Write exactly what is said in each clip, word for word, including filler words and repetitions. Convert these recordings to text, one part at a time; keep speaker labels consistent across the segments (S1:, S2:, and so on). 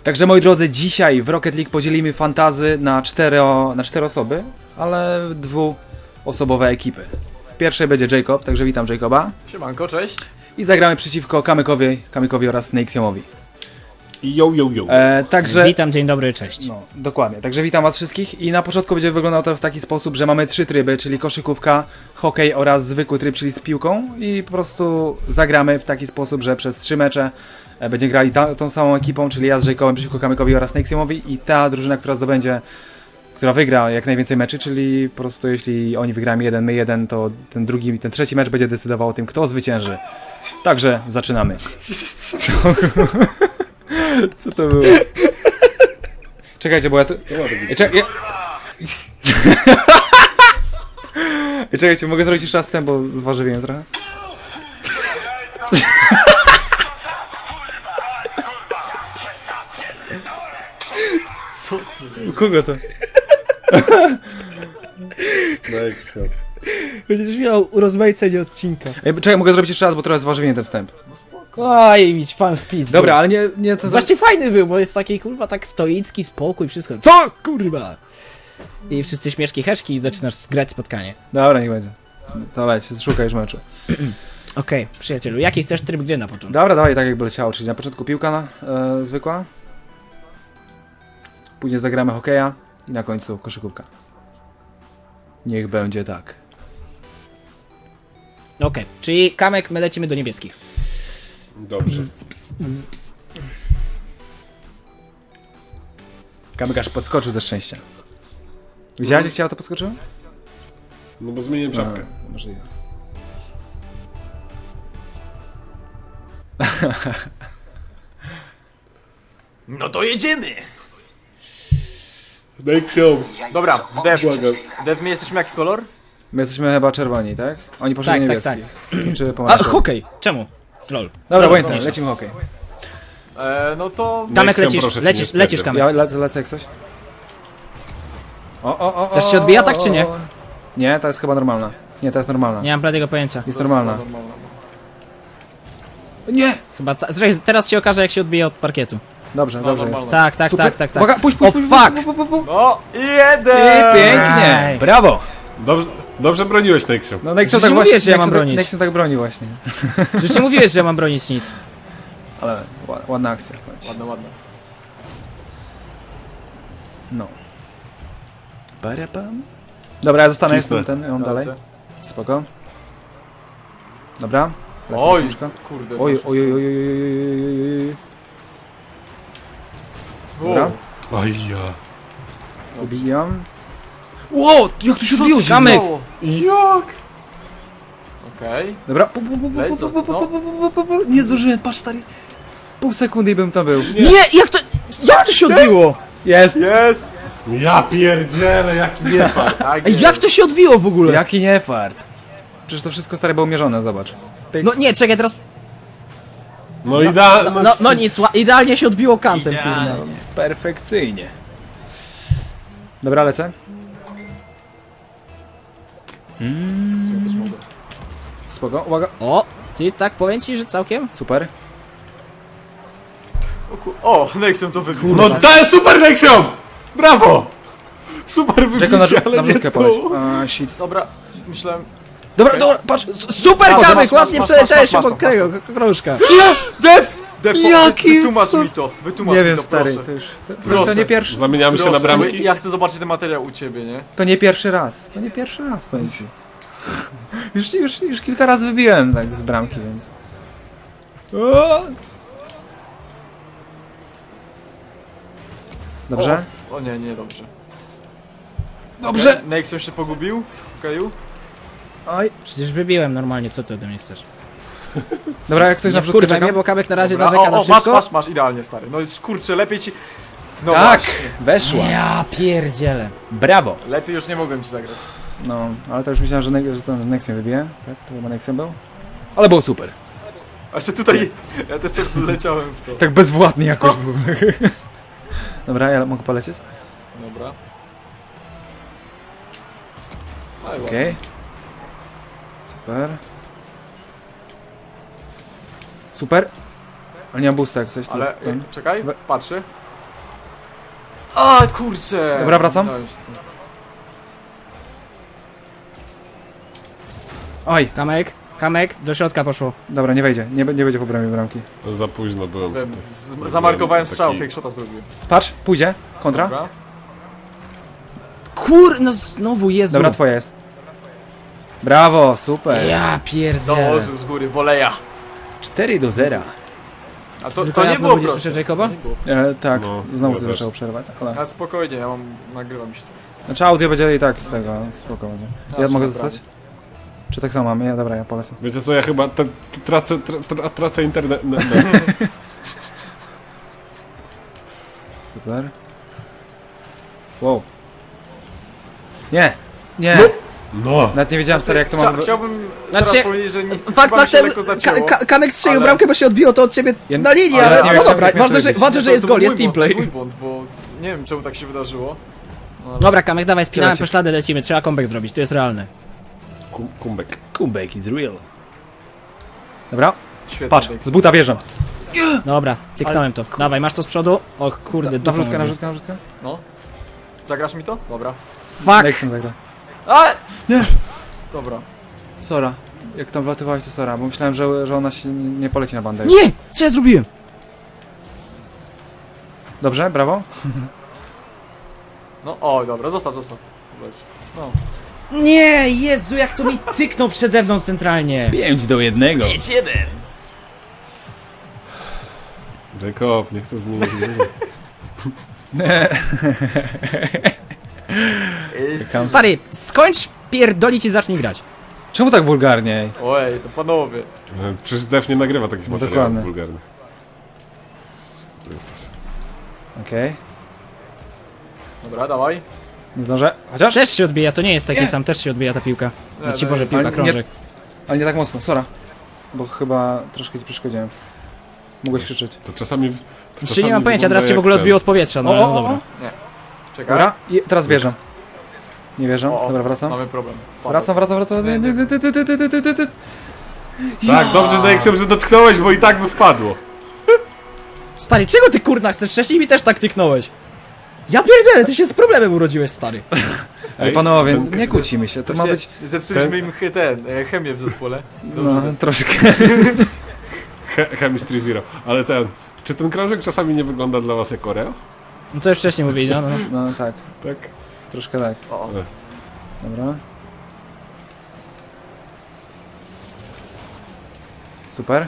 S1: Także moi drodzy, dzisiaj w Rocket League podzielimy fantazy na cztero, na cztery osoby, ale dwuosobowe ekipy. W pierwszej będzie Jacob, także witam Jacoba.
S2: Siemanko, cześć.
S1: I zagramy przeciwko Kamykowi, Kamykowi oraz Nexiomowi.
S3: Yo, yo, yo.
S1: E, także...
S4: Witam, dzień dobry, cześć.
S1: No, dokładnie. Także witam was wszystkich i na początku będzie wyglądało to w taki sposób, że mamy trzy tryby, czyli koszykówka, hokej oraz zwykły tryb, czyli z piłką i po prostu zagramy w taki sposób, że przez trzy mecze e, będziemy grali ta, tą samą ekipą, czyli ja z Jacobem przeciwko Kamykowi oraz Nexiomowi i ta drużyna, która zdobędzie, która wygra jak najwięcej meczy, czyli po prostu jeśli oni wygrają jeden, my jeden, to ten drugi, ten trzeci mecz będzie decydował o tym, kto zwycięży. Także zaczynamy. Co? Co to było? Czekajcie, bo ja to... Ej, czek... ja... Ej, czekajcie, mogę zrobić jeszcze raz ten, bo zważywiłem trochę.
S2: Co to?
S1: U kogo to?
S3: Nexio.
S4: Będziesz miał urozmaicenie odcinka.
S1: Ej, czekaj, mogę zrobić jeszcze raz, bo trochę zważywiłem ten wstęp.
S4: Oj, mieć pan w pizdu.
S1: Dobra, ale nie... nie to za...
S4: Właśnie fajny był, bo jest taki kurwa tak stoicki, spokój, wszystko. Co kurwa? I wszyscy śmieszki, heszki i zaczynasz grać spotkanie.
S1: Dobra, niech będzie. To leć, szukaj już meczu.
S4: Okej, okay, przyjacielu, jaki chcesz tryb gry na początku?
S1: Dobra, dawaj tak jakby leciało, czyli na początku piłka na, e, zwykła. Później zagramy hokeja i na końcu koszykówka. Niech będzie tak.
S4: Okej, okay, czyli Kamek, my lecimy do niebieskich.
S3: Dobrze.
S1: Kamyk aż podskoczył ze szczęścia. Widziałeś, jak chciało to podskoczyło?
S3: No bo zmieniłem czapkę.
S1: No, możliwe.
S2: No to jedziemy!
S3: Nexio.
S2: Dobra, Dev.
S3: Błagam.
S2: Dev, my jesteśmy jaki kolor?
S1: My jesteśmy chyba czerwoni, tak? Oni poszli
S4: Tak,
S1: niebieski.
S4: tak,
S1: Czy
S4: A,
S1: pomarańczowy?
S4: hokej, czemu? Lol.
S1: Dobra,
S4: No,
S1: pamiętam,
S4: no,
S1: lecimy hokej.
S2: E, no to...
S4: Kamek,
S3: Nexio,
S4: lecisz,
S3: proszę cię,
S4: lecisz,
S3: nie
S4: lecisz,
S3: spędzę.
S4: Kamek.
S1: Ja le lecę jak coś? O, o, o, o,
S4: Też się odbija tak, czy nie?
S1: o. Nie, to jest chyba normalna. Nie, to jest normalna.
S4: Nie mam bladego pojęcia.
S1: Jest normalna.
S2: normalna.
S1: Nie!
S4: Chyba ta, zresztą teraz się okaże, jak się odbije od parkietu.
S1: Dobrze,
S2: No,
S1: dobrze jest.
S2: normalna.
S4: Tak, tak,
S1: Super.
S4: tak, tak, tak.
S1: Uwaga, puść,
S4: O
S1: puść, puść,
S4: fuck!
S1: puść, puść, puść, puść.
S2: No i
S1: I
S2: jeden!
S1: pięknie!
S4: Aj.
S1: Brawo!
S3: Dobrze, dobrze broniłeś, Nexio.
S1: No Nexon
S4: Przecież
S1: tak
S4: mówiłeś,
S1: właśnie,
S4: że ja mam
S1: Nexon tak-
S4: bronić.
S1: Nexon tak broni właśnie.
S4: Przecież nie mówiłeś, że ja mam bronić nic.
S1: Ale ła- ładna akcja. Chodź.
S2: Ładne, ładne.
S1: No. Barabam. Dobra, ja zostanę,
S3: Cisnę.
S1: jestem ten, ją dalej.
S2: Lecę.
S1: Spoko. Dobra. Lecę
S2: Oj,
S1: troszkę.
S2: kurde.
S1: Oj,
S2: poszło.
S1: oj, oj, oj, oj, oj, oj, oj. Dobra.
S3: Oj ja.
S1: Ubijam. Ło, jak tu się
S2: Co
S1: odbiło?
S2: się
S1: Kamek!
S2: stało?
S3: Jak?
S2: Okej.
S1: Dobra. Pu, pu, pu, pu,
S2: Leć,
S1: pu,
S2: zosta-
S1: pu,
S2: no.
S1: pu, pu, pu, pu, pu. Nie zdążyłem, patrz stary. Pół sekundy i bym tam był.
S4: Nie, jak to... Jak to się odbiło?
S1: Jest!
S2: Jest!
S3: Ja pierdzielę, jaki niefart.
S2: Tak
S4: Ej,
S2: jest.
S4: jak to się odbiło w ogóle?
S1: Jaki nie fart. Przecież to wszystko stare było mierzone, zobacz. Pyk.
S4: No nie, czekaj, teraz...
S3: No i da...
S4: No, no, no nic, ła- idealnie się odbiło kantem, kurwa.
S1: Idealnie. Perfekcyjnie. Dobra, lecę.
S2: Ja też mogę.
S1: Spoko, uwaga.
S4: O, ty tak powiem ci, że całkiem?
S1: Super.
S2: O, ku... o Nexon to wybił.
S3: No to jest super, Nexio! Brawo! Super
S1: Czekam na,
S3: wybicie, ale
S1: na
S3: nie
S1: wrzutkę
S3: to.
S1: poleć. A, shit.
S2: Dobra, myślałem...
S1: Dobra, dobra, patrz.
S4: S- Super
S2: Masz,
S4: kamek,
S2: masz,
S4: ładnie
S2: masz,
S4: przeleciałeś
S2: masz, masz,
S4: obok tego k- krążka.
S2: Dev! Dev, po-
S1: Jaki
S2: wytłumacz
S1: cud-
S2: mi to, wytłumacz
S1: Nie
S2: mi
S1: wiem,
S2: to,
S1: stary,
S2: proszę.
S1: to już... To, to,
S2: Proszę.
S1: nie pierwszy,
S3: Zamieniamy się na
S2: Proszę,
S3: bramki?
S2: ja chcę zobaczyć ten materiał u ciebie, nie?
S1: to nie pierwszy raz. To nie pierwszy raz, powiem ci. Już, już, już kilka razy wybiłem tak z bramki, więc... O! Dobrze?
S2: O, o nie, nie, dobrze.
S1: Dobrze!
S2: Nexon się pogubił w hokeju?
S1: Oj.
S4: Przecież wybiłem normalnie, co ty ode mnie chcesz?
S1: Dobra, jak ktoś na
S4: Nie
S1: wrzutkę
S4: wkurwaj
S1: czeka?
S4: mnie, bo kamek na razie
S2: Dobra,
S4: narzeka
S2: o,
S4: na
S2: o, masz,
S4: wszystko.
S2: masz, masz, idealnie, stary. No kurczę, lepiej ci... No
S1: Tak,
S2: właśnie.
S1: weszła.
S4: Ja pierdzielę.
S1: Brawo.
S2: Lepiej już nie mogłem ci zagrać.
S1: No, ale to już myślałem, że, ne że to Nexion wybije. Tak, to chyba Nexion był. Ale było super.
S2: A jeszcze tutaj, ja też tak leciałem w to.
S1: Tak bezwładnie jakoś w ogóle. Dobra, ja mogę polecieć?
S2: Dobra.
S1: Okej. Okay. Super. Super. Ale nie mam boosta jak coś. To,
S2: Ale,
S1: ten.
S2: czekaj,
S1: We-
S2: patrzę. A kurczę!
S1: Dobra, wracam.
S2: Dałem się z tym.
S1: Oj,
S4: Kamek, kamek, do środka poszło.
S1: dobra, nie wejdzie, nie, nie będzie po bramie bramki.
S3: No, za późno byłem
S2: Wiem,
S3: tutaj.
S2: z- Zamarkowałem
S3: Taki-
S2: strzał, fake shota zrobiłem.
S1: Patrz, pójdzie, kontra. Dobra,
S2: Dobra.
S4: Kur, no znowu, Jezu.
S1: twoja jest. Brawo, super.
S4: Ja pierdzielę.
S2: Dołożył z góry, woleja.
S1: cztery do zera.
S2: A to,
S4: Tylko
S2: to
S4: ja
S2: nie
S4: znowu
S2: było
S4: nie
S2: proste.
S4: słyszę Jacoba?
S2: To nie było.
S1: E, tak,
S3: No,
S1: znowu
S3: ja
S1: się
S3: też.
S1: zaczęło przerwać, ale...
S2: A spokojnie, ja mam, nagrywam się.
S1: Znaczy audio będzie i tak z tego, spoko będzie. Ja
S2: Ja
S1: mogę
S2: sobie
S1: zostać? Czy tak samo mam? Ja, dobra, ja polecę.
S3: Wiecie co, ja chyba te, tracę, tra, tra, tracę internet. No, no.
S1: Super. Wow. Nie! Nie!
S3: no.
S1: Nawet nie wiedziałem stary jak to
S2: Chcia,
S1: mam...
S2: Chciałbym
S4: Znaczy,
S2: teraz powiedzieć, że nie,
S4: Fakt
S2: chyba mi się
S4: faktem,
S2: lekko
S4: ka
S2: zacięło.
S4: ka Kamek strzelił
S2: ale-
S4: bramkę, bo się odbiło to od ciebie
S1: Ja-
S4: na linii,
S2: ale
S4: ale,
S2: nie
S4: no
S2: wiem,
S4: dobra,
S1: jak miałem
S4: ważne, że,
S1: powiedzieć.
S4: ważne,
S2: To-
S4: że jest
S2: to
S4: gol,
S2: był
S4: jest
S2: mój
S4: teamplay.
S2: błąd, Mój błąd, bo nie wiem czemu tak się wydarzyło. No, ale-
S4: Dobra, Kamek, dawaj, spinałem
S1: Lecisz.
S4: po ślady, lecimy, trzeba comeback zrobić, to jest realne.
S3: Kum, kumbek.
S1: Comeback is real. Dobra,
S2: Świetnie.
S1: patrz,
S2: Dexter.
S1: z buta wjeżdżam.
S4: Dobra, tyknąłem to. Dawaj, masz to z przodu? O kurde,
S1: Na
S4: dupą
S1: wrzutkę, na
S4: robię.
S1: wrzutkę, na wrzutkę.
S2: No. Zagrasz mi to? Dobra.
S4: Fuck!
S1: Nexon zagra.
S2: A! Nie! Dobra.
S1: Sora. Jak tam wlatywałeś to Sora, bo myślałem, że, że ona się nie nie poleci na bandę.
S4: Nie! Co ja zrobiłem?
S1: Dobrze, brawo.
S2: No, o, dobra, zostaw, zostaw. Leć. No.
S4: Nie, Jezu, jak to mi tyknął przede mną centralnie.
S1: pięć do jednego.
S2: jeden!
S3: Jacob, nie chcę zmienić gry.
S1: Tam-
S4: Stary, skończ pierdolić i zacznij grać.
S1: Czemu tak wulgarnie?
S2: Oj, to panowie.
S3: E, Przecież Def nie nagrywa takich
S1: No
S3: materiałów
S1: dokładnie.
S3: wulgarnych. Tu jesteś.
S1: Okej.
S2: Dobra, dawaj.
S1: Nie zdążę. Chociaż?
S4: Też się odbija, to nie jest taki sam, też się odbija ta piłka.
S2: Nie,
S4: No ci
S2: no
S4: Boże,
S2: jest-
S4: piłka,
S1: ale nie-
S4: krążek.
S1: Ale nie tak mocno, Sora. Bo chyba troszkę ci przeszkodziłem. Mogłeś krzyczeć.
S3: To czasami... To
S4: Czy
S3: czasami
S4: nie mam pojęcia, teraz się w
S3: wygląda
S4: ogóle
S3: jak
S4: odbiło od powietrza, no
S1: O,
S4: ale
S1: o,
S4: no
S1: o,
S4: dobra.
S1: o.
S2: Czekaj.
S1: Dobra, i teraz wjeżdżam. Nie wjeżdżam,
S2: O, o,
S1: dobra, wracam.
S2: Mamy problem.
S1: Wracam, wracam, wracam.
S2: Nie, nie.
S1: Ty, ty, ty, ty, ty, ty, ty, ty.
S3: ten. Tak, dobrze, że Nexem, że dotknąłeś, bo i tak by wpadło.
S4: Stary, czego ty kurna chcesz? Wcześniej mi też tak tyknąłeś. Ja pierdzielę, ty się z problemem urodziłeś, stary.
S1: Ale
S3: Ej,
S1: panowie,
S3: ten-
S1: nie kłócimy się, to ma być...
S2: Zepsuliśmy
S3: ten-
S2: im chy- ten, e, chemię w zespole. Dobrze.
S1: No, troszkę.
S3: He, Chemistry Zero. Ale ten... Czy ten krążek czasami nie wygląda dla was jak Oreo?
S4: No to już wcześniej mówili, no, no. no.
S1: No tak,
S3: Tak?
S1: troszkę tak.
S2: O, o.
S1: Dobra. Super.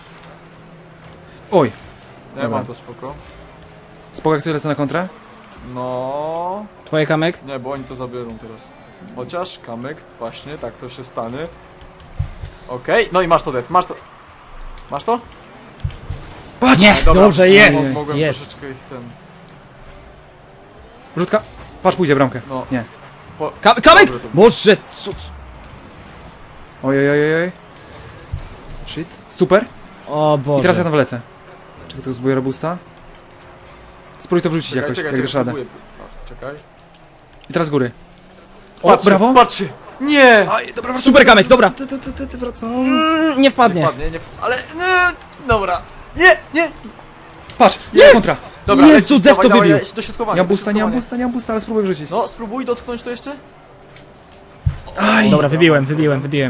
S1: Oj,
S2: Ja
S1: Dobra.
S2: mam to spoko.
S1: spoko jak sobie lecę na kontrę?
S2: No,
S4: Twoje Kamek?
S2: nie, bo oni to zabiorą teraz. Chociaż, kamyk, właśnie, tak to się stanie. Okej, no i masz to, Def, masz to. Masz to?
S1: Patrz!
S4: Nie,
S2: Dobra,
S4: dobrze,
S2: mo-
S4: jest,
S2: mogłem
S4: jest.
S2: troszeczkę ich ten...
S1: Wrzutka. Patrz, pójdzie bramkę.
S2: No.
S1: Nie.
S2: Po...
S4: Ka Kamek!
S2: Dobre to było.
S4: Boże, co?
S1: Oj, oj, oj, oj. Shit. Super.
S4: O Boże.
S1: I teraz ja tam wlecę. Czekaj, tu zbuję robusta. Spróbuj to wrzucić
S2: Czekaj,
S1: jakoś,
S2: czekaj,
S1: jak dasz
S2: czekaj,
S1: radę.
S2: próbuję. A, czekaj.
S1: I teraz z góry. O,
S2: Patrzcie,
S1: brawo!
S2: Patrzcie! Nie!
S1: Aj, dobra, wracam,
S4: Super, Kamek, dobra.
S1: Ty, ty, ty, ty, ty, wracam.
S4: Mm, nie wpadnie.
S2: Nie wpadnie, nie wpadnie, ale... Nie! Dobra. Nie, nie!
S1: Patrz,
S4: Jest!
S1: jest kontra.
S2: Dobra,
S4: Jezu,
S2: lecisz,
S4: Def
S2: dawaj,
S4: to
S2: dawaj,
S4: wybił.
S2: leć do środkowania,
S1: Nie mam
S2: do
S1: busta, nie mam
S2: środkowania.
S1: busta, nie mam busta, ale spróbuję wrzucić.
S2: No, spróbuj dotknąć to jeszcze.
S1: Aj.
S4: Dobra, wybiłem, wybiłem, wybiłem.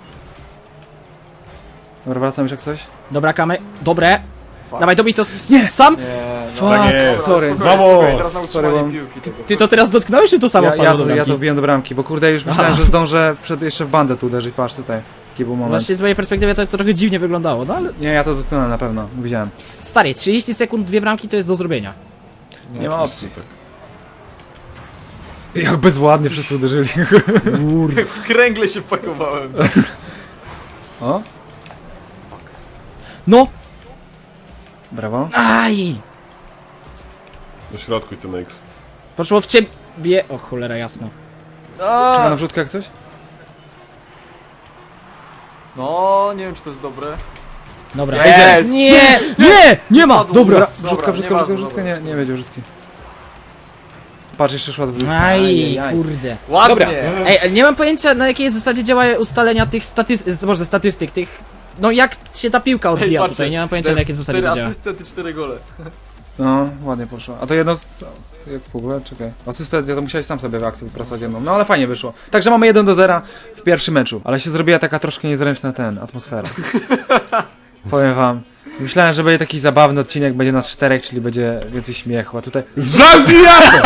S1: Dobra, wracam już jak coś.
S4: Dobra, Kamek, dobre.
S2: Fuck.
S4: Dawaj, dobij to s-
S1: Nie.
S4: sam.
S2: Nie,
S1: Fuck,
S3: Tak jest.
S1: sorry.
S2: Spokojnie,
S3: Vamos.
S2: spokojnie, teraz na
S1: Sorry,
S2: utrzymanie
S1: mam-
S2: piłki tego.
S4: Ty to teraz dotknąłeś, czy to samo
S1: Ja,
S4: wpadło
S1: ja,
S4: do
S1: to, ja
S4: bramki?
S1: to wbiłem do bramki, bo kurde już myślałem, że zdążę przed, jeszcze w bandę tu uderzyć, patrz tutaj. Taki był moment.
S4: Właśnie z mojej perspektywy to, to trochę dziwnie wyglądało, no ale...
S1: Nie, ja to dotknąłem na pewno, widziałem.
S4: Stary, trzydzieści sekund, dwie bramki to jest do zrobienia.
S1: Nie ma opcji.
S3: Tak.
S1: Jak bezwładnie wszyscy uderzyli.
S2: W kręgle się pakowałem.
S1: O,
S4: No!
S1: brawo.
S4: Aj!
S3: Do środku i ten X.
S4: Poszło w ciebie... O cholera, jasno.
S1: Czekam na wrzutkę jak coś?
S2: No, nie wiem czy to jest dobre.
S4: Dobra.
S2: Jest!
S4: Nie! Nie! Nie ma!
S2: Padł.
S4: Dobra!
S1: Wrzutka, wrzutka, wrzutka,
S2: nieważne,
S1: wrzutka,
S2: dobra,
S1: nie, nie będzie wrzutki. Patrz, jeszcze szła wrzutka.
S4: Aj,
S1: Ajajaj.
S4: kurde.
S2: Ładnie!
S1: Dobra.
S4: Ej, ale nie mam pojęcia na jakiej zasadzie działają ustalenia tych statystyk, może statystyk, tych... No jak się ta piłka odbija
S2: patrzcie,
S4: tutaj, nie mam pojęcia na jakiej zasadzie to
S2: cztery
S4: działa.
S2: asysty, ty cztery gole.
S1: No, ładnie poszło. A to jedno z... Jak w ogóle? Czekaj. Asystę to musiałeś sam sobie w akcji wypracować jedną. No ale fajnie wyszło. Także mamy jeden do zera w pierwszym meczu. Ale się zrobiła taka troszkę niezręczna ten, atmosfera. Powiem wam. Myślałem, że będzie taki zabawny odcinek, będzie nas czterech, czyli będzie więcej śmiechu, a tutaj...
S3: Zabijamy!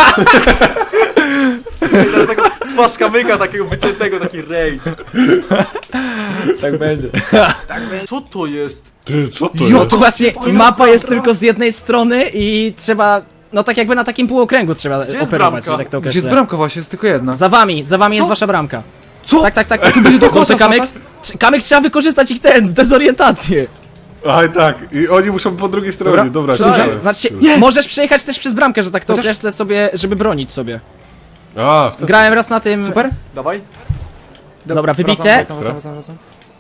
S2: I teraz taka twarz kamyka takiego wyciętego, taki rage.
S1: Tak będzie.
S2: Co to jest?
S3: Ty, co to
S4: Jo,
S3: jest?
S4: to właśnie mapa jest tylko z jednej strony i trzeba, no tak jakby na takim półokręgu trzeba
S2: Gdzie jest
S4: operować,
S2: bramka?
S4: tak to
S1: Gdzie jest
S4: określę.
S1: bramka właśnie? Jest tylko jedna.
S4: Za wami, za wami jest
S2: Co?
S4: wasza bramka.
S1: Co?
S4: Tak, tak, tak. A tu będzie do
S1: kosza
S4: Kamek,
S1: spadać?
S4: Trz- Kamek trzeba wykorzystać ich ten, dezorientację.
S3: Aj tak, i oni muszą po drugiej stronie,
S1: Dobra,
S3: dobra.
S1: przedłużam.
S3: czekaj.
S4: Znaczy,
S1: Nie!
S4: możesz przejechać też przez bramkę, że tak to
S1: Chociaż-
S4: określę sobie, żeby bronić sobie.
S3: A, wtedy...
S4: Grałem raz na tym...
S1: Super?
S2: Dawaj.
S4: Dobra, wybite.
S1: Wracam, wracam, wracam, wracam.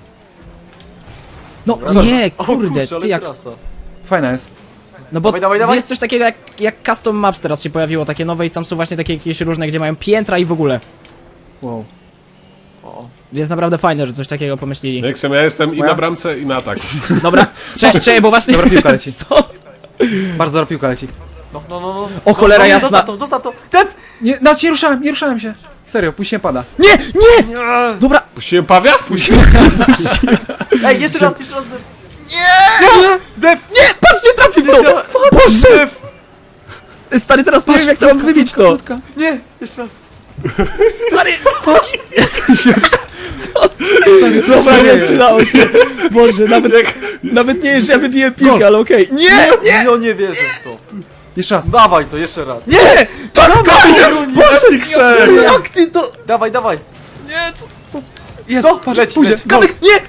S4: No
S2: Dobra.
S4: nie,
S2: O
S4: kurde,
S2: kurczę, ale
S4: ty jak...
S2: krasa.
S1: Fajna jest.
S4: No bo
S2: Dawaj, dawaj, dawaj.
S4: jest coś takiego jak, jak custom maps teraz się pojawiło, takie nowe i tam są właśnie takie jakieś różne, gdzie mają piętra i w ogóle.
S1: Wow.
S2: O.
S4: Jest naprawdę fajne, że coś takiego pomyśleli.
S3: Neksem, ja jestem i
S1: Moja?
S3: na bramce, i na atak.
S4: Dobra, cześć, cześć, bo właśnie...
S1: Dobra piłka leci.
S4: Co?
S1: Bardzo dobra piłka leci.
S2: No, no, no, no.
S4: O, cholera
S2: no, no,
S4: jasna.
S2: Zostaw to, zostaw to. Def!
S1: Nie, no nie ruszałem, nie ruszałem się. Serio, później pada.
S4: Nie, nie! Dobra,
S3: Puściłem Pawia?
S2: Ej, jeszcze raz, jeszcze raz, Def.
S4: nie!
S2: Def!
S4: Nie, patrz, nie trafił w to! Boże!
S2: Def!
S4: Stary, teraz nie wiem jak to mam wybić to.
S1: Krótka.
S2: Nie, jeszcze raz.
S4: Stary! Co? Dobra, nie, przydało się. Boże, nawet, nawet nie wiem, że ja wybiłem piłkę, ale okej. Nie, nie!
S2: No nie wierzę w to.
S1: Jeszcze raz.
S2: Dawaj to, jeszcze raz.
S4: Nie! To koniec! Boże,
S3: Pixel!
S4: jak ty to...
S2: Dawaj, dawaj.
S1: Nie, co, co? Jest,
S2: No,
S1: patrz,
S2: leci,
S1: pójdzie.
S2: leci.
S4: Kamek, nie!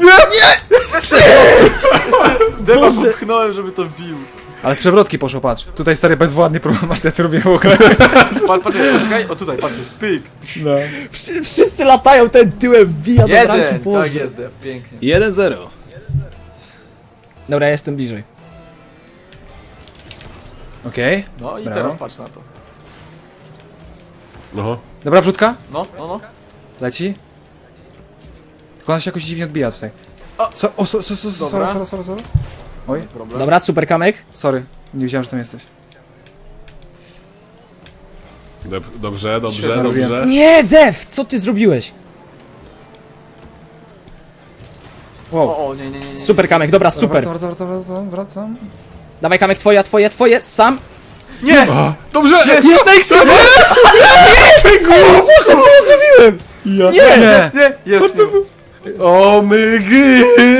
S2: Z Defa
S4: Boże.
S2: popchnąłem, żeby to wbił.
S1: Ale z przewrotki poszło, patrz. Tutaj stary bezwładnie problemacja to robię w ogóle.
S2: Patrz, poczekaj, poczekaj. O tutaj, patrz. Pyk.
S1: No.
S4: Wszy- Wszyscy latają, ten tyłem wbija do bramki,
S2: Jeden.
S4: Boże.
S2: Tak jest, Def. Pięknie.
S1: jeden zero.
S4: Dobra, ja jestem bliżej.
S1: Okej.
S2: No i
S1: Brawo.
S2: teraz patrz na to.
S3: No.
S1: Dobra wrzutka.
S2: No, no, no.
S1: Leci. Tylko ona się jakoś dziwnie odbija tutaj.
S2: O.
S1: So, o, so, so, so, so,
S2: Dobra.
S1: sorry, sorry, sorry, sorry. Oj,
S2: Problem.
S4: Dobra, super Kamek.
S1: sorry. Nie wiedziałem, że tam jesteś.
S3: Dob- Dobrze, dobrze,
S1: Świetnie
S3: dobrze.
S1: robiłem.
S4: Nie, Dev, co ty zrobiłeś?
S1: Wow.
S2: O, o, nie, nie, nie, nie.
S4: Super Kamek, dobra, super.
S1: Wracam, wracam, wracam, wracam, wracam.
S4: Dawaj Kamek, twoja, twoje, twoje, sam.
S2: Nie!
S3: A, dobrze!
S2: Jest!
S3: Neksem!
S4: Boże, co ja zrobiłem?
S3: Ja.
S1: Nie! Nie!
S2: Nie! Jest!
S3: O my gy!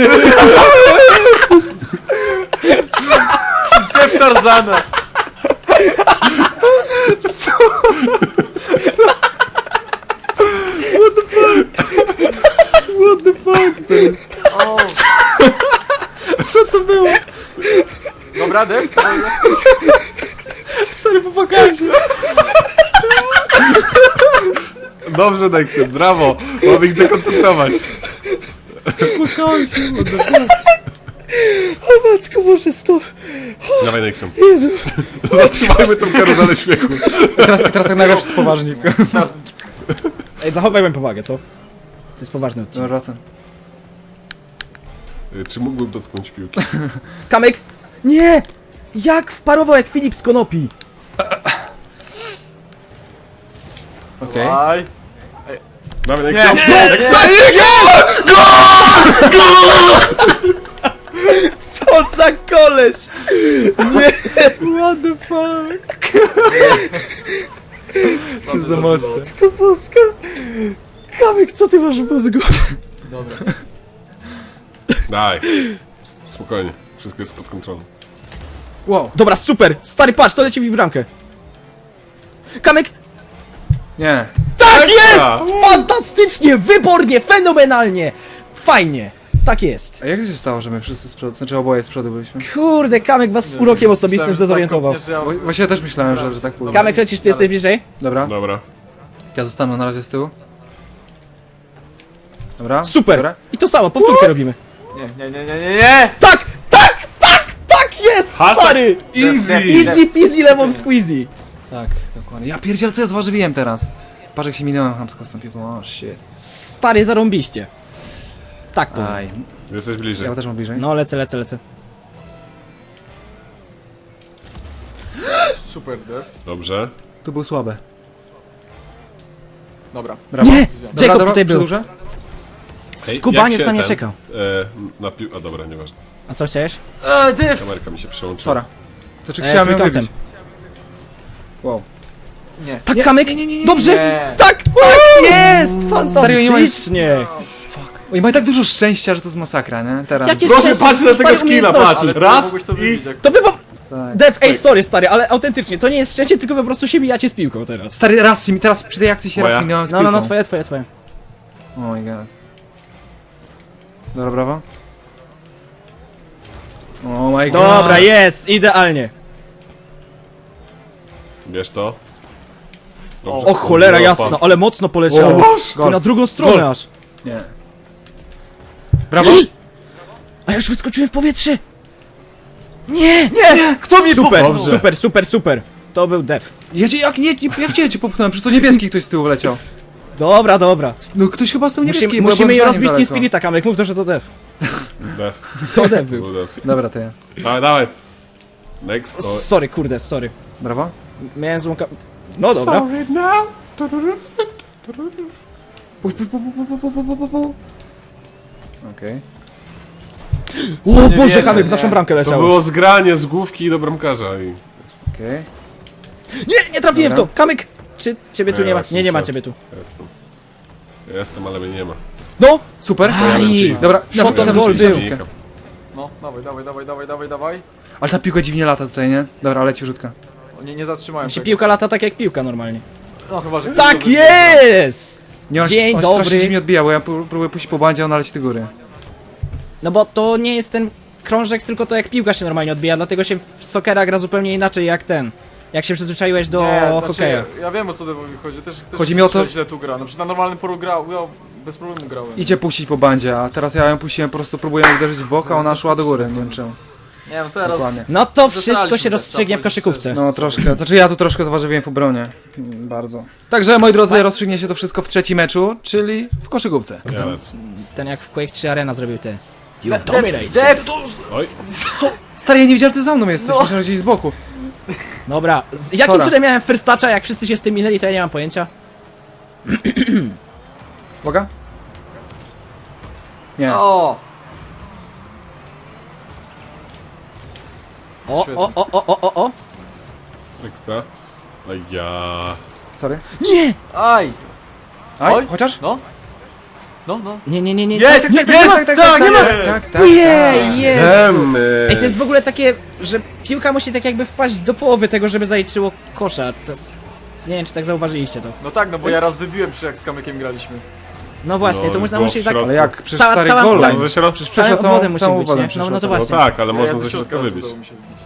S2: Zew Tarzana!
S3: What the fuck?
S2: O.
S1: Co to było?
S2: Dobra, Def?
S1: Stary, popłakałem się.
S3: Dobrze, Neksem, brawo! Mam ich dekoncentrować.
S1: Popłakałem się.
S4: O matko, Boże, stop.
S3: Dawaj, Neksem.
S4: Jezu.
S3: Zatrzymajmy tą karuzelę śmiechu.
S1: I teraz, i teraz tak nagle wszyscy poważni.
S2: Teraz.
S4: Ej, zachowajmy powagę, co? To jest poważny odcinek.
S1: Dobra, wracam.
S3: Y, Czy mógłbym dotknąć piłki?
S4: Kamek! Nie! Jak wparował jak Filip z Konopi?
S1: Okej.
S2: Dawaj.
S3: Dawaj,
S2: Nie,
S3: Neksem.
S2: nie, nie,
S4: Co za koleś! Nie!
S1: What the fuck? To za mocne.
S4: Matko boska! Kamek, co ty masz w mózgu?
S2: Dobra.
S3: Daj. Spokojnie, wszystko jest pod kontrolą.
S1: Wow.
S4: Dobra, super! Stary, patrz, to leci w bramkę. Kamek!
S1: Nie.
S4: Tak jest! Fantastycznie, wybornie, fenomenalnie! Fajnie, tak jest.
S1: A jak to się stało, że my wszyscy z przodu, znaczy oboje z przodu byliśmy?
S4: Kurde, Kamek was z urokiem osobistym
S2: Myślałem, że
S4: zdezorientował.
S2: tak kopniesz, że ja-
S1: Wo- Właśnie ja też myślałem, że, że tak pójdzie.
S4: Kamek, lecisz, ty jesteś bliżej?
S1: Dobra.
S3: Dobra.
S1: Ja zostanę na razie z tyłu. Dobra.
S4: Super!
S1: Dobra.
S4: I to samo, powtórkę robimy.
S2: Nie, nie, nie, nie, nie, nie!
S4: Tak, tak, tak, tak jest,
S3: Hashtag
S4: stary!
S3: Easy!
S4: Easy peasy lemon squeezy.
S1: Tak, dokładnie. Ja pierdziel, co ja zważywiłem teraz? Patrz jak się minąłem chamsko z tą piłką, o shit.
S4: Stary, zarąbiście. Tak powiem.
S1: Aj,
S3: Jesteś bliżej.
S1: ja też mam bliżej.
S4: No, lecę, lecę, lecę.
S2: Super, Dev.
S3: Dobrze.
S1: Tu był słabe.
S2: Dobra.
S1: Brawo.
S4: Nie!
S2: Dobra,
S4: Jacob tutaj był.
S1: przedłużę?
S3: Hej,
S4: Skubaniec
S3: jak się
S4: na mnie
S3: ten,
S4: czekał.
S3: E, na pił... A dobra, nieważne.
S4: A co chciałeś?
S2: Eee, Dev!
S3: Kamerka mi się przełączyła.
S1: Sora. To czy
S4: E,
S1: chciałem ją
S4: trójkątem.
S1: wybić? Wow.
S2: Nie.
S4: Tak, Kamek? Dobrze!
S2: Nie.
S4: Tak, tak jest!
S1: Stary, nie ma-
S4: Fantastycznie!
S1: Oni mają tak dużo szczęścia, że to jest masakra, nie? Teraz.
S4: Jakie
S3: Proszę,
S4: szczęście,
S3: patrz na
S4: stary
S3: tego skina,
S4: umiejętności.
S3: patrz.
S2: Ale ty
S3: Raz
S2: mogłeś to
S3: i-
S2: wybić, jak...
S4: To wy po...
S1: Tak.
S4: Dev, ej, sorry stary, ale autentycznie, to nie jest szczęście, tylko po prostu się bijacie z piłką teraz.
S1: Stary, raz mi teraz przy tej akcji się
S3: Moja?
S1: raz minąłem z
S4: No, no, no,
S1: piłką.
S4: twoje, twoje, twoje.
S1: Oh my god. Dobra, brawo. Oh my god.
S4: Dobra, jest, idealnie.
S3: Bierz to.
S4: O cholera jasna, ale mocno poleciało.
S1: O,
S4: Ty na drugą stronę
S1: Gol.
S4: aż.
S1: Nie. Brawo.
S4: A ja już wyskoczyłem w powietrze. Nie,
S2: Nie! Kto mi
S4: super,
S2: popchnął?
S4: super, super, super. To był Dev.
S1: Ja cię, jak, nie, nie, jak cię, cię popchnąłem? Przecież to niebieski ktoś z tyłu wleciał.
S4: Dobra, dobra.
S1: No ktoś chyba z tyłu niebieski.
S4: Musimy,
S1: bo ja
S4: musimy
S1: byłem
S4: je
S1: za nim
S4: rozbić Team
S1: daleko.
S4: Spirita, Kamek, mów to, że to Dev.
S3: Def.
S4: To Dev był.
S3: Był def.
S1: Dobra, to ja.
S3: Dawaj, dawaj. Next. O,
S4: Sorry, kurde, sorry.
S1: Brawo.
S4: Miałem złą ka... No dobra.
S3: Sorry now.
S1: Puść, puść, puść, puść, puść, puść, puść, puść. Okej.
S4: O
S2: Nie
S4: Boże,
S2: wierzę,
S4: Kamek w
S2: nie.
S4: naszą bramkę
S3: To
S4: leciało.
S3: było zgranie z główki do bramkarza i...
S1: Okej.
S4: Nie, nie trafiłem w
S1: Dobra.
S4: to. Kamek, czy ciebie tu
S3: Nie,
S4: nie ma?
S3: właśnie
S4: Nie, nie ma
S3: musiałem.
S4: ciebie tu.
S3: Jestem. Jestem, ale mnie nie ma.
S4: No!
S1: Super.
S4: Aj,
S1: Dobra,
S4: shot on
S1: na-
S4: goal
S1: na-
S4: był.
S1: na-
S2: No, dawaj, dawaj, dawaj, dawaj, dawaj, dawaj.
S1: Ale ta piłka dziwnie lata tutaj, nie? Dobra, leci rzutka.
S2: O, nie, nie zatrzymałem
S4: Się
S2: tego.
S4: piłka lata tak jak piłka normalnie.
S2: No chyba, że... ktoś to
S4: Tak
S2: wybił.
S4: jest!
S1: Nie, on,
S4: Dzień
S1: on strasznie
S4: dobry.
S1: dziwnie odbija, bo ja pró- próbuję puścić po bandzie, a ona leci do góry.
S4: No bo to nie jest ten krążek, tylko to jak piłka się normalnie odbija, dlatego się w sokera gra zupełnie inaczej jak ten. Jak się przyzwyczaiłeś do
S2: Nie, znaczy,
S4: hokeja.
S2: ja, ja wiem o co Devowi chodzi. Też, też
S1: Chodzi mi o to-
S2: że źle tu gra. No przecież na normalnym polu grał, ja bez problemu grałem.
S1: Idzie puścić po bandzie, a teraz ja ją puściłem, po prostu próbuję ją uderzyć w bok, a ona szła do góry, nie wiem czemu.
S2: Nie no teraz...
S1: Dokładnie.
S4: No to wszystko
S2: Zaczynaliśmy
S4: się
S2: tak,
S4: rozstrzygnie w
S2: tak,
S4: koszykówce.
S1: No troszkę, znaczy ja tu troszkę zaważywiłem w obronie. Mm, Bardzo. Także moi drodzy, rozstrzygnie się to wszystko w trzecim meczu, czyli w koszykówce.
S3: Ja lecę.
S4: Ten jak w Quake trzy Arena zrobił te. You
S2: Dev,
S4: dominate.
S2: Dev!
S3: Oj.
S1: Stary, ja nie wiedziałem, że ty za mną jesteś,
S2: No.
S1: myślałem, że gdzieś z boku.
S4: Dobra, z jakim
S1: Sora.
S4: cudem miałem first toucha, jak wszyscy się z tym minęli, to ja nie mam pojęcia.
S1: Uwaga. Nie.
S2: O!
S4: O,
S2: Świetnie.
S4: o, o, o, o, o, o.
S3: Ekstra. Oj ja.
S1: Sorry.
S4: Nie!
S2: Aj!
S1: Aj,
S2: Oj.
S1: chociaż?
S2: No? No, no.
S4: Nie, nie, nie, nie.
S2: Jest,
S4: tak, nie,
S2: jest,
S4: tak, nie ma-
S2: tak, tak, tak,
S4: nie ma.
S2: jest.
S1: Tak, tak,
S4: Jej, jest!
S3: Demy.
S4: Ej, to jest w ogóle takie, że piłka musi tak jakby wpaść do połowy tego, żeby zaliczyło kosza. To jest... Nie wiem, czy tak zauważyliście to.
S2: No tak, no bo ja raz wybiłem przy jak z Kamykiem graliśmy.
S4: No właśnie,
S3: No,
S4: to można
S3: było
S4: musi
S3: w
S4: tak...
S3: środku.
S1: Ale jak? Przecież
S4: Cała-
S1: stary
S4: cała-
S1: gol.
S4: cała-
S3: Co, ze środka?
S1: Przecież
S4: Całą
S1: przeszła
S4: wodę musi
S1: całą
S4: być,
S1: wodę
S4: nie? No, no to
S1: przeszła.
S3: No
S4: właśnie.
S3: tak, ale
S2: Ja
S3: można
S2: ze
S3: ze środka
S2: raz
S3: wybić.
S2: udało mi się wbić.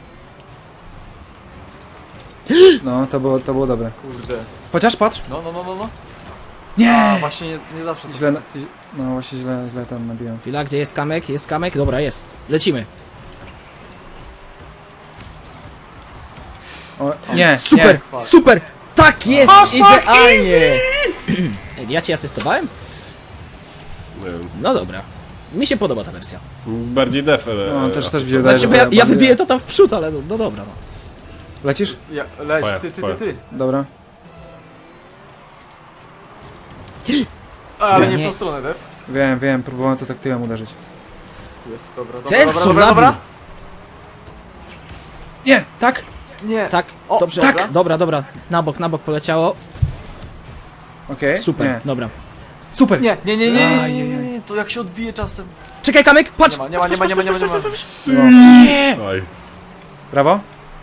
S1: No, to było, to było dobre.
S2: Kurde.
S1: Chociaż, patrz.
S2: No, no, no, no, no. A,
S1: Nie!
S2: właśnie nie, nie zawsze to...
S1: Źle, na- no właśnie źle, źle tam nabiłem.
S4: Chwila, gdzie jest kamek? Jest kamek? Dobra, jest. Lecimy.
S1: O, nie,
S4: Super,
S1: nie.
S4: super! Tak jest! Idealnie! Ej, ja ci asystowałem?
S3: Nie wiem.
S4: No dobra. Mi się podoba ta wersja.
S3: Bardziej def, ale...
S1: No, też, też widzę.
S4: Znaczy, bo ja, ja
S1: bardziej-
S4: wybiję to tam w przód, ale no, no dobra, no.
S1: Lecisz?
S2: Ja, leć,
S3: Twoja,
S2: ty, ty,
S3: twoja.
S2: ty, ty.
S1: Dobra.
S2: A, ale
S4: Nie.
S2: nie w tą stronę, Dev.
S1: Wiem, wiem, próbowałem to tak tyłem uderzyć.
S2: Jest, dobra, dobra,
S4: Ten
S2: dobra,
S4: co
S2: dobra, dobra.
S4: nabił?
S1: Nie, tak?
S2: Nie.
S4: Tak,
S2: O,
S4: dobrze.
S2: tak.
S4: Dobra, dobra. Na bok, na bok poleciało.
S1: Okej.
S4: Super,
S1: Nie.
S4: dobra.
S1: Super!
S2: Nie, nie, nie, nie, nie,
S1: Aj,
S2: nie,
S1: aj,
S2: nie,
S1: aj.
S2: nie, to jak się odbije czasem.
S4: Czekaj, kamek, patrz!
S2: Nie ma, nie ma, nie ma, nie ma, nie ma, nie ma.
S1: No.
S4: Nie!
S3: Oj.
S1: Brawo.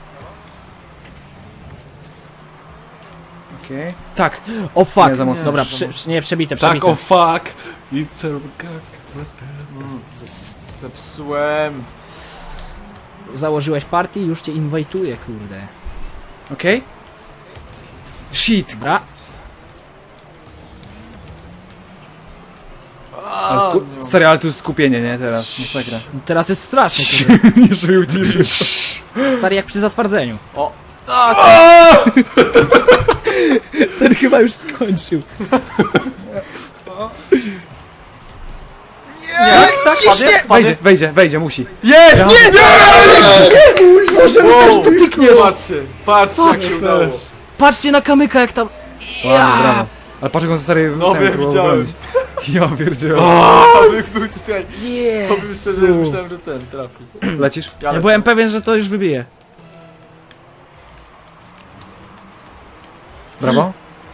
S1: Okej. Tak.
S4: O fuck.
S1: Nie, za mocno.
S4: Dobra,
S2: Nie,
S4: prze,
S2: za
S4: prze- nie, przebite,
S3: Tak,
S4: przebite.
S3: o fuck! It's a...
S2: Mm, Zepsułem.
S4: Założyłeś party, już cię inwajtuję, kurde.
S1: Okej. Shit.
S4: Dobra.
S1: Ale sku...
S2: no.
S1: Stary, ale tu jest skupienie, nie? Teraz. Masakra.
S4: Teraz jest strasznie, kurde.
S1: Nie żył, nie żył.
S4: Stary jak przy zatwardzeniu.
S2: O.
S4: Ten chyba już skończył.
S2: Nie, tak,
S4: ciśnie!
S2: padnie,
S1: Wejdzie, wejdzie, wejdzie, musi.
S2: Jest! Nie, nie!
S4: Boże, myślałem, że to tykniesz!
S2: Patrzcie, patrzcie jak się udało.
S4: Patrzcie na kamyka, jak tam...
S1: Ładnie, brawo. Ale patrz jak on stary...
S2: No
S1: ten
S2: wiem,
S1: próbował
S2: widziałem.
S1: bronić. Ja pierdzielę.
S2: Kamyk był tutaj. Powiem szczerze, że już
S4: Jezu.
S2: myślałem, że ten trafi.
S1: Lecisz?
S2: Ja
S4: Ja
S2: lecę.
S4: byłem pewien, że to już wybije.
S1: Brawo.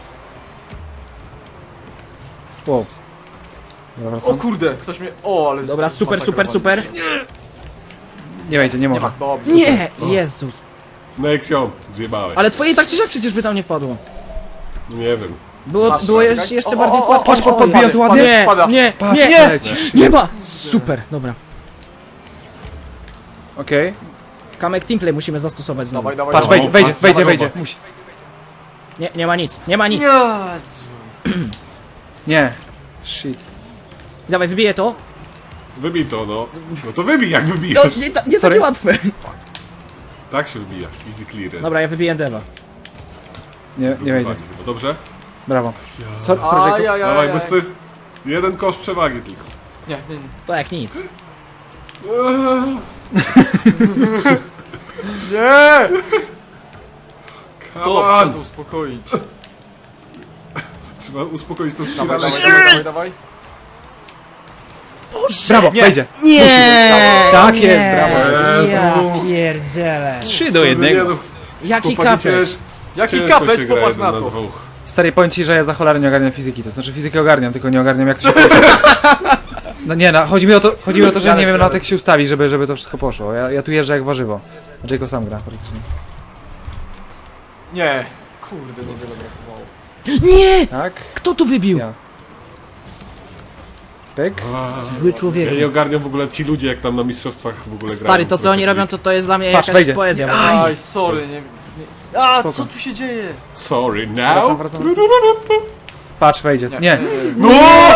S1: Wow. Dobra,
S2: O
S1: wracam.
S2: kurde, ktoś mnie... O, ale...
S4: Dobra, super, super, super.
S1: Nie wejdzie, nie
S2: Nie
S1: może.
S2: ma, dobrze.
S4: Nie! Jezu.
S3: Nexion, zjebałeś.
S4: Ale twoje tak czy siak przecież by tam nie wpadło.
S3: No nie wiem.
S4: Było,
S2: Patrz,
S4: było
S2: czekaj.
S4: jeszcze, jeszcze
S2: O,
S4: bardziej
S2: o, o,
S4: płaskie.
S1: patrz,
S4: O,
S1: podbijam
S4: ja-
S1: tu ładnie.
S4: Nie,
S2: Pada.
S4: nie,
S1: Patrz,
S4: nie,
S1: lecisz.
S4: nie ma! Super, dobra.
S1: Okej.
S4: Kamek teamplay musimy zastosować znowu.
S2: Dawaj, dawaj,
S1: Patrz,
S2: dawaj.
S1: wejdzie, wejdzie,
S3: patrz,
S1: wejdzie,
S3: dawaj,
S1: wejdzie.
S3: dawaj.
S1: Musi.
S4: Nie, nie ma nic, nie ma nic.
S2: Jezu.
S1: Nie. Shit.
S4: Dawaj, wybiję to.
S3: Wybij to, no. No to wybij jak
S4: No,
S3: wybijasz.
S4: nie, ta, nie
S1: Sorry.
S4: takie łatwe.
S3: Tak się wybija. Easy clearance.
S4: Dobra, ja wybiję Deva.
S1: Nie, nie wejdzie.
S3: No dobrze?
S1: Brawo. Sorry, sorry, Jacob.
S2: Ajajaj.
S3: Dawaj, bo to jest jeden kosz przewagi tylko.
S2: Nie, nie, nie.
S4: To jak nic.
S2: Nie!
S3: Come
S2: Stop, trzeba
S3: on!
S2: to uspokoić.
S3: Trzeba uspokoić tą
S2: Dawaj,
S3: spiralę.
S2: dawaj, dawaj, dawaj, dawaj.
S1: Brawo,
S2: Nie.
S1: wejdzie.
S4: Nie!
S1: Tak
S4: nie.
S1: jest, brawo.
S4: Ja pierdzielę.
S1: trzy do jednego.
S4: Jaki
S3: Chłopaki,
S4: kapeć.
S3: cięż-
S2: Jaki
S3: ciężko
S2: kapeć,
S3: się gra
S2: popatrz
S3: jeden
S2: na to.
S3: dwóch.
S1: Stary, powiem ci, że ja za cholerę nie ogarniam fizyki. To znaczy fizykę ogarniam, tylko nie ogarniam jak to się... No nie, no, chodzi mi o to, chodzi mi o to że
S2: Ja
S1: nie
S2: lecę,
S1: wiem
S2: ja
S1: na to jak
S2: lecę.
S1: się ustawi, żeby, żeby to wszystko poszło. Ja, ja tu jeżdżę jak warzywo. A Jacob sam gra praktycznie.
S2: Nie. Kurde, niewiele brakowało.
S4: Nie!
S1: Tak?
S4: Kto tu wybił?
S1: Ja. Pyk.
S4: Zły człowiek.
S3: Ja nie ogarniam w ogóle ci ludzie, jak tam na mistrzostwach w ogóle grają.
S4: Stary, to co oni robią, to to jest dla mnie
S1: Patrz,
S4: jakaś
S1: wejdzie.
S4: poezja.
S2: Aj, sorry, nie... nie... A,
S1: Spoko.
S2: co tu się dzieje?
S3: Sorry,
S1: Wracam,
S3: now?
S1: wracam, wracam. Patrz, wejdzie. Nie.
S3: No!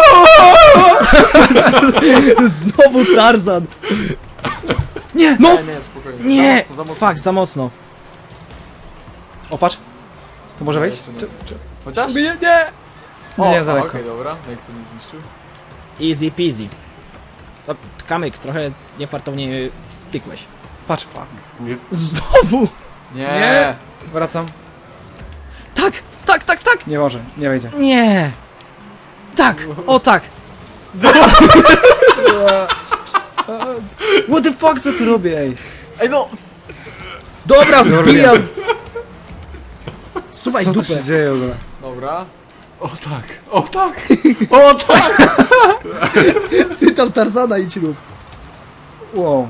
S4: Znowu Tarzan. Nie, no!
S2: Nie, nie, spokojnie.
S4: Nie!
S2: Za mocno, za mocno.
S4: Fuck, za mocno.
S1: O, patrz. To może
S2: Nie,
S1: wejść?
S2: jeszcze nie.
S1: Czy- czy-
S2: Chociaż?
S1: Nie, nie.
S2: O,
S1: Nie, za
S2: a,
S1: lekko.
S2: Okej, dobra. Nexus nie zniszczył.
S4: Easy peasy. To, kamyk, trochę niefartownie tykłeś.
S1: Patrz.
S3: Nie,
S4: Znowu!
S2: Nie.
S1: Nie. Wracam.
S4: Tak, tak, tak, tak!
S1: Nie może, nie wejdzie.
S4: Nie! Tak! O tak!
S1: What the fuck, co tu robię, ej?
S2: Ej, no!
S4: Dobra, wbijam! Słuchaj,
S1: Co tu
S4: dupę.
S1: się dzieje w ogóle?
S2: Dobra.
S3: o tak, o tak, o tak!
S4: Ty tam Tarzana idź rób.
S1: Wow.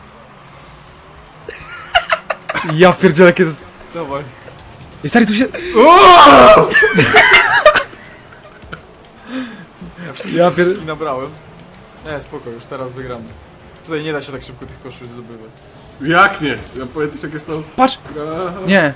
S1: Ja pierdzielę, kiedy...
S2: Dawaj.
S1: I stary, tu się...
S2: Ja wszystkie,
S1: Ja pier-
S2: wszystkie nabrałem. Nie, spoko, już teraz wygramy. Tutaj nie da się tak szybko tych koszy zdobywać.
S3: Jak nie? Ja pamiętasz jak jest to...
S1: Patrz! Nie.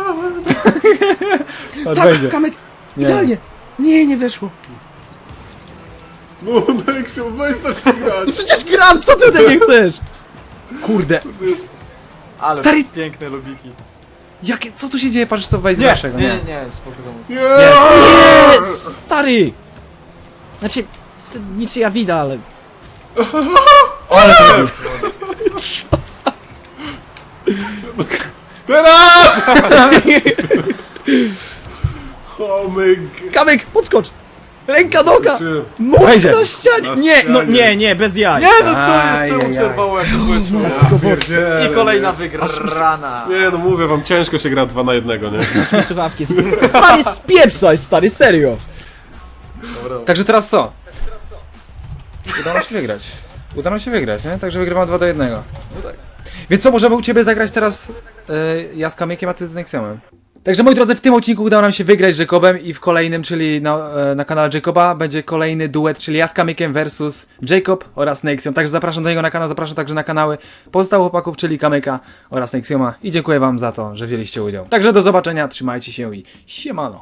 S1: Patrz,
S4: Tak,
S1: wejdzie.
S4: kamyk,
S1: Nie.
S4: idealnie. Nie, nie weszło.
S3: No, Nexion, weź zacznij grać!
S4: Przecież gram, co ty ode mnie chcesz?
S1: Kurde.
S3: To jest...
S2: Ale
S1: Stary-
S2: piękne lobiki.
S1: Jakie, co tu się dzieje? Patrz, to wejdzie
S2: Nie,
S1: naszego.
S2: nie, nie, nie, spoko za mocno.
S3: Nie!
S4: Nie, stary! Znaczy, to niczyja wida, ale...
S1: Ale to robił.
S3: Teraz! O my g...
S4: Kamyk, podskocz! Ręka, noga!
S3: Czy...
S4: Mózg
S1: Wejdzie.
S4: na ścianie!
S3: Na
S4: Nie, no
S3: ścianie.
S4: nie, nie, bez jaj.
S2: Nie, no co jest? Czemu
S1: Ajajaj.
S2: przerwało jak to było?
S3: Pierdziele,
S2: I kolejna
S3: nie.
S2: wygrana.
S3: Nie no mówię wam, ciężko się gra dwa na jednego, nie?
S4: Masz mi słuchawki. Stary, spieprzaj, stary, serio.
S2: Dobra.
S1: Także teraz co? Uda nam się wygrać. Uda nam się wygrać, nie? Także wygrywam dwa do jednego.
S2: No tak.
S1: Więc co, możemy u ciebie zagrać teraz yy, ja z Kamykiem, a ty z Nexionem. Także moi drodzy, w tym odcinku udało nam się wygrać z Jacobem i w kolejnym, czyli na, e, na kanale Jacoba, będzie kolejny duet, czyli ja z Kamykiem versus Jacob oraz Nexion. Także zapraszam do niego na kanał, zapraszam także na kanały pozostałych chłopaków, czyli Kamyka oraz Nexioma i dziękuję wam za to, że wzięliście udział. Także do zobaczenia, trzymajcie się i siemano.